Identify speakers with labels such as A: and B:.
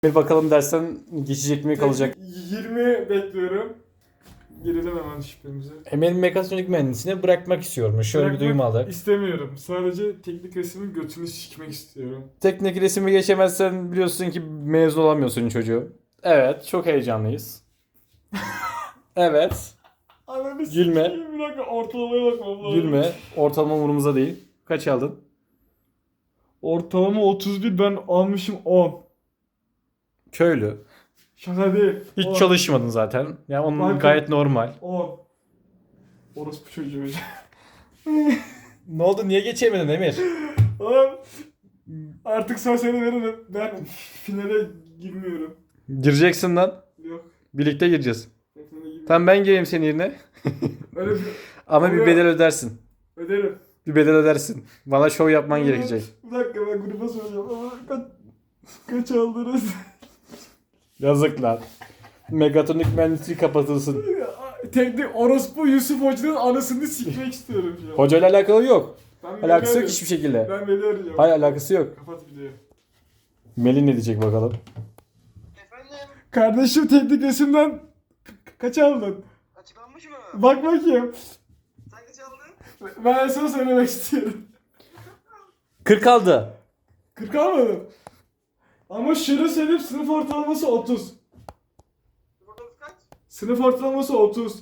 A: Bir bakalım dersen geçecek mi kalacak.
B: 20 bekliyorum. Girelim hemen şüphemize.
A: Emel'in mekatronik mühendisliğini bırakmak istiyormuş. Şöyle bir duyum aldık.
B: İstemiyorum. Sadece teknik resmin götünü sikmek istiyorum.
A: Teknik resmi geçemezsen biliyorsun ki mezun olamıyorsun çocuğu. Evet, çok heyecanlıyız. Evet,
B: Ananı
A: Gülme.
B: sikeyim, bir dakika ortalamaya bakmam lazım.
A: gülme. Ortalama umurumuzda değil. Kaç aldın?
B: Ortalama 31, ben almışım 10.
A: Köylü.
B: Şaka değil.
A: Hiç
B: 10.
A: çalışmadın zaten. Yani onun
B: Bakın.
A: gayet normal.
B: 10. Orospu çocuğu.
A: Ne oldu? Niye geçemedin Emir?
B: Oğlum artık son sene veririm. Ben finale girmiyorum.
A: Gireceksin lan.
B: Yok.
A: Birlikte gireceğiz.
B: Ben finale girmiyorum.
A: Tamam ben geleyim senin yerine.
B: Öyle bir
A: Ama bir
B: Oluyor.
A: bedel ödersin.
B: öderim.
A: Bir bedel ödersin. Bana şov yapman gerekecek.
B: Bir dakika, ben gruba soracağım ama kaç aldınız?
A: Yazık lan. Megatronik mühendisliği kapatılsın.
B: Teknik orospu Yusuf Hoca'nın anasını sikmek istiyorum şu an.
A: Hocayla alakalı yok.
B: Ben
A: Alakası yok
B: Melih
A: hiçbir şekilde.
B: arıyorum. Ben Melih arayacağım.
A: Hayır alakası yok.
B: Kapat videoyu.
A: Melih ne diyecek bakalım.
C: Efendim,
B: Kardeşim teknik resimden kaç aldın?
C: açıklanmış mı?
B: Bak bakayım.
C: Sen kaç aldın?
B: Ben sana söylemek istiyorum.
A: 40 aldı.
B: 40 almadım. Ama şunu söyleyeyim, sınıf ortalaması 30.
C: Bakalım kaç?
B: Sınıf ortalaması 30.